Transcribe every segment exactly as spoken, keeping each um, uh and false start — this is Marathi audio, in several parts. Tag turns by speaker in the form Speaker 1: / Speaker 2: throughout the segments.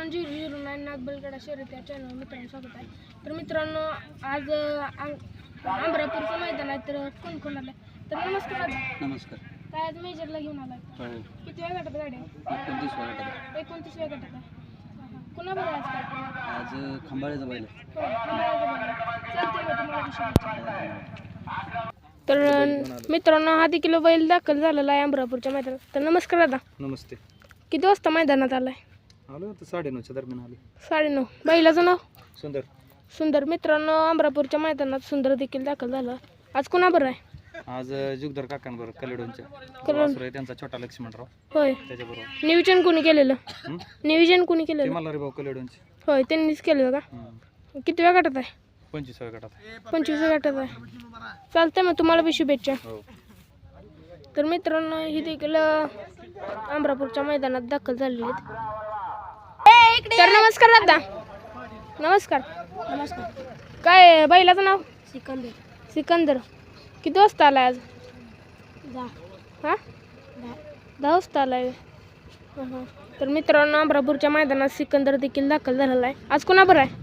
Speaker 1: मित्रांनो झिरो झिरो नाईन नागबलगडा शर्यत या चॅनल मित्रांनो स्वागत आहे. तर मित्रांनो आज आंबरापूरचं मैदान आहे. तर कोण कोण आलं तर नमस्कार.
Speaker 2: नमस्कार.
Speaker 1: काय आज मेजरला घेऊन आलाय?
Speaker 2: हो.
Speaker 1: किती वेळ गटात गाडी?
Speaker 2: एकोणतीसव्या गटात.
Speaker 1: एकोणतीसव्या गटात आहे. कुणा बरं आज काय?
Speaker 2: आज खंबाळ्याचा बैल.
Speaker 1: हो खंबाळ्याचा बैल. चालते मग तुम्हाला शुभेच्छा. तर मित्रांनो हा देखील बैल दाखल झालेला आहे आंबरापूरच्या मैदानात. तर नमस्कार दादा.
Speaker 2: नमस्ते.
Speaker 1: किती वाजता मैदानात आलाय?
Speaker 2: आलो तर साडेनऊच्या दरम्यान आलो.
Speaker 1: साडेनऊ. बैलाचं नाव?
Speaker 2: सुंदर.
Speaker 1: सुंदर. मित्रांनो अमरापूरच्या मैदानात सुंदर देखील दाखल झाला. आज कुणा बरं आहे?
Speaker 2: आज जुगदर काकांबरोबर कलेडोनच्या
Speaker 1: कलेडोन.
Speaker 2: आहे त्यांचा छोटा लक्ष्मणराव
Speaker 1: होय.
Speaker 2: त्याच्याबरोबर.
Speaker 1: नियोजन कोणी केलेलं? नियोजन कोणी
Speaker 2: ते
Speaker 1: केलेलं?
Speaker 2: मला रे भाऊ कलेडोनचे.
Speaker 1: होय त्यांनीच केलं का? किती वेळ गटात आहे?
Speaker 2: पंचवीसव्या गटात.
Speaker 1: पंचवीस गटात आहे. चालतंय मग तुम्हाला बी शुभेच्छा.
Speaker 2: हो.
Speaker 1: तर मित्रांनो ही देखील अमरापूरच्या मैदानात दाखल झालेली आहेत. तर नमस्कार दादा. नमस्कार. नमस्कार. काय बैलाचं नाव? सिकंदर. सिकंदर. किती वाजता आलाय आज? दहा. हां दहा वाजता आलाय. हां तर मित्रांनो अमरापूरच्या मैदानात सिकंदर देखील दाखल झालेला आहे. आज कोणा बरं आहे?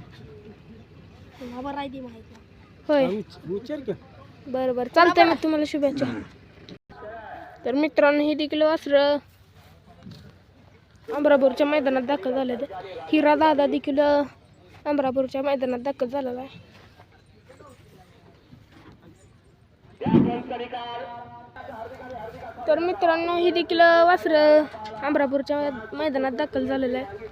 Speaker 1: होय. बरं बरं चालतंय मग तुम्हाला शुभेच्छा. तर मित्रांनो ही देखील वासरं अमरापूरच्या मैदानात दाखल झाले. हिरा दादा देखील अमरापूरच्या मैदानात दाखल झालेला आहे. तर मित्रांनो ही देखील वासरं अमरापूरच्या मैदानात दाखल झालेलं आहे.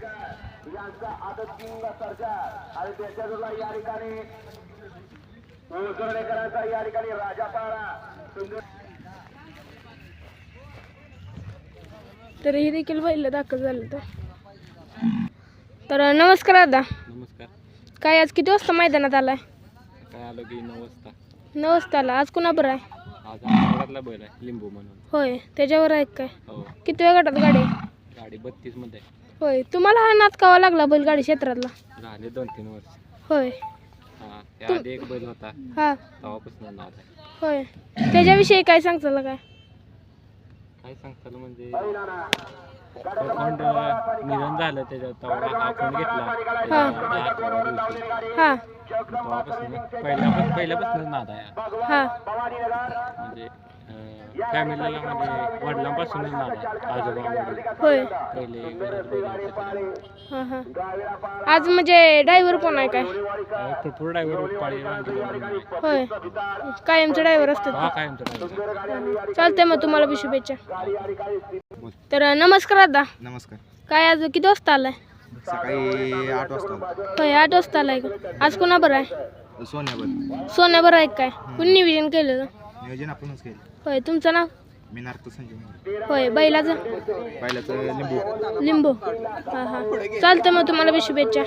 Speaker 1: तर ही देखील बैल दाखल झाले. तर नमस्कार दादा.
Speaker 2: नमस्कार.
Speaker 1: काय आज किती वाजता मैदानात आलाय?
Speaker 2: काय आलो की नऊ वाजता.
Speaker 1: नऊ वाजता आला. आज कुणा बरं आहे?
Speaker 2: आज आमच्याकडला बैल आहे लिंबू म्हणून.
Speaker 1: होय त्याच्यावर आहे काय?
Speaker 2: हो.
Speaker 1: किती वेळ गटात गाडी?
Speaker 2: गाडी बत्तीस मध्ये.
Speaker 1: होय. तुम्हाला हा नाद कावा लागला बैलगाडी क्षेत्रातला?
Speaker 2: झाले दोन तीन वर्ष.
Speaker 1: होय.
Speaker 2: हा त्या आधी एक बैल होता
Speaker 1: हा
Speaker 2: तेव्हापासून नाद आहे.
Speaker 1: होय. त्याच्याविषयी काय सांगताल काय?
Speaker 2: काय सांगताल म्हणजे अकाउंट निधन झालं त्याच्यात तेव्हा हा अकाउंट घेतला
Speaker 1: हा.
Speaker 2: त्याच्यावर
Speaker 1: हा
Speaker 2: तेव्हापासून पहिल्यापासून पहिल्यापासूनच नाद आहे
Speaker 1: हा
Speaker 2: म्हणजे फॅमिलीला म्हणजे वडिलांपासूनच नाद आहे. आजोबा वडील
Speaker 1: होय.
Speaker 2: पहिले घरात बैल होते.
Speaker 1: हा हा आज म्हणजे ड्रायव्हर कोण आहे काय?
Speaker 2: भरपूर ड्रायव्हर पाळी वांगी
Speaker 1: होय. कायमचे ड्रायव्हर असतात.
Speaker 2: हा कायमचा ड्रायव्हर.
Speaker 1: चालतंय मग तुम्हाला बी शुभेच्छा. तर नमस्कार दादा.
Speaker 3: नमस्कार.
Speaker 1: काय आज किती वाजता आलाय?
Speaker 3: सकाळी आठ वाजता.
Speaker 1: होय आठ वाजता आलाय का? आज कोणा बरं आहे?
Speaker 3: सोन्यावर.
Speaker 1: सोन्या बरं आहे काय? कुणी नियोजन केलेलं?
Speaker 3: नियोजन आपणच केलं.
Speaker 1: होय. तुमचं नाव?
Speaker 3: मी नार्थ संजय.
Speaker 1: होय. बैलाचं?
Speaker 3: पहिल्याचं लिंबू.
Speaker 1: लिंबू. हां हां चालतं मग तुम्हाला बी शुभेच्छा.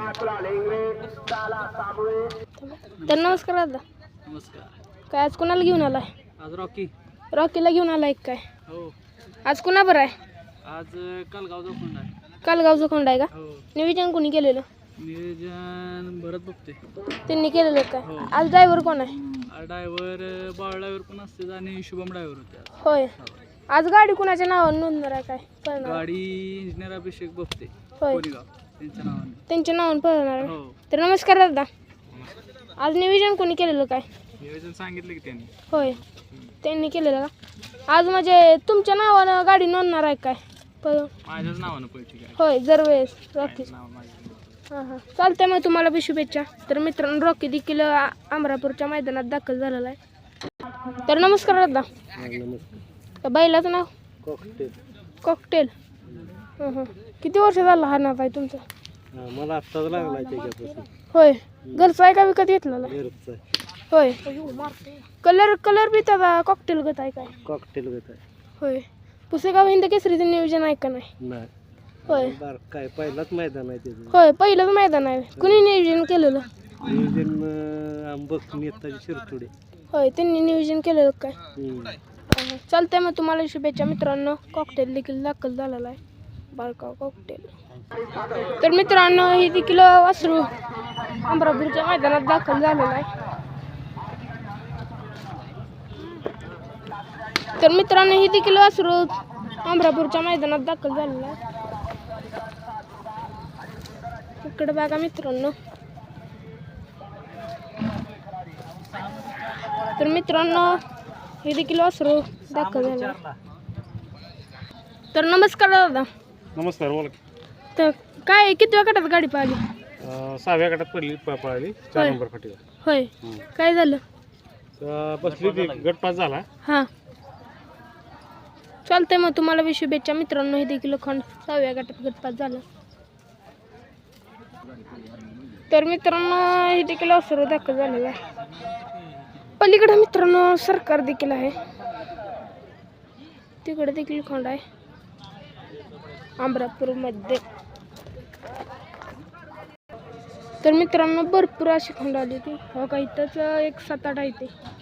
Speaker 1: तर नमस्कार दादा.
Speaker 2: नमस्कार.
Speaker 1: काय आज कोणाला घेऊन आलाय?
Speaker 2: आज रॉकी.
Speaker 1: रॉकीला घेऊन आलाय काय?
Speaker 2: हो.
Speaker 1: आज कुणा बरं आहे?
Speaker 2: आज कालगावचा फोन आहे.
Speaker 1: कालगावचं खोंड आहे का?
Speaker 2: हो.
Speaker 1: नियोजन कोणी केलेलं?
Speaker 2: नियोजन भरत बघते.
Speaker 1: त्यांनी केलेलं काय?
Speaker 2: हो.
Speaker 1: आज ड्रायव्हर कोण आहे?
Speaker 2: ड्रायव्हर बाळ ड्रायव्हर पण असते आणि शुभम ड्रायव्हर होते आज.
Speaker 1: होय. आज गाडी कुणाच्या नावावर नोंदणार आहे काय? पळणार?
Speaker 2: गाडी इंजिनियर अभिषेक बघते
Speaker 1: होय.
Speaker 2: कोरेगाव त्यांच्या नावाने.
Speaker 1: त्यांच्या नावावर पळणार आहे.
Speaker 2: हो.
Speaker 1: तर नमस्कार दादा. आज नियोजन कोणी केलेलं काय?
Speaker 2: नियोजन सांगितलं की त्यांनी.
Speaker 1: होय त्यांनी केलेलं का? आज म्हणजे तुमच्या नावानं गाडी नोंदणार आहे काय? पळ
Speaker 2: माझ्याच नावानं पैसे काय.
Speaker 1: होय दरवेळेस रॉकी.
Speaker 2: नाव माझं.
Speaker 1: हां हां चालतंय मग तुम्हाला बी शुभेच्छा. तर मित्रांनो रॉकी देखील आ- अमरापूरच्या मैदानात दाखल झालेला आहे. तर नमस्कार दादा.
Speaker 2: नमस्कार.
Speaker 1: तर बैलाचं नाव?
Speaker 2: कॉकटेल.
Speaker 1: कॉकटेल. हां हां किती वर्ष झालं हा नाव आहे तुमचं?
Speaker 2: मला आत्ताच लागला त्याच्यापासून.
Speaker 1: होय. घरचं आहे का विकत घेतलेला?
Speaker 2: घरचं
Speaker 1: होय. कलर कलर बी त्याचा कॉकटेल गत आहे काय?
Speaker 2: कॉकटेल घेत आहे.
Speaker 1: होय. पुसेगाव हिंद केसरीचं नियोजन आहे का नाही?
Speaker 2: नाही.
Speaker 1: होय.
Speaker 2: काय पहिलाच मैदान आहे त्याचं.
Speaker 1: होय पहिलंच मैदान आहे. कुणी नियोजन केलेलं?
Speaker 2: नियोजन आंबक नेताजी शिरतोडे.
Speaker 1: होय त्यांनी नियोजन केलेलं काय? हां, चालतंय मग तुम्हाला शुभेच्छा. मित्रांनो कॉकटेल देखील दाखल झालेला आहे. बारकाव कॉकटेल. तर मित्रांनो ही देखील वासरू अमरापूरच्या मैदानात दाखल झालेलं आहे. तर मित्रांनो ही देखील वासरू अमरापूरच्या मैदानात दाखल झालेलं आहे. इकडे बघा मित्रांनो. तर मित्रांनो हे देखील वासरू दाखल झालं. तर नमस्कार दादा.
Speaker 4: नमस्कार बोला.
Speaker 1: तर काय किती गटात गाडी पाहिली?
Speaker 4: अं, सहाव्या गटात पडली प- पळाली चार
Speaker 1: होय.
Speaker 4: नंबर फाटीला.
Speaker 1: होय
Speaker 4: हं.
Speaker 1: काय झालं?
Speaker 4: तर बसली ती गट पास झाला.
Speaker 1: हां चालतंय मग तुम्हाला बी शुभेच्छा मित्रांनो. हे देखील खंड सहाव्या गटात गटपास झालं. तर मित्रांनो हे देखील वासरू दाखल झालेलं आहे. पलीकडे मित्रांनो सरकार देखील आहे. तिकडे देखील खंड आहे अमरापूरमध्ये. तर मित्रांनो भरपूर अशी खंड आली ती हो का. इथंच एक सात आठ आहे ते.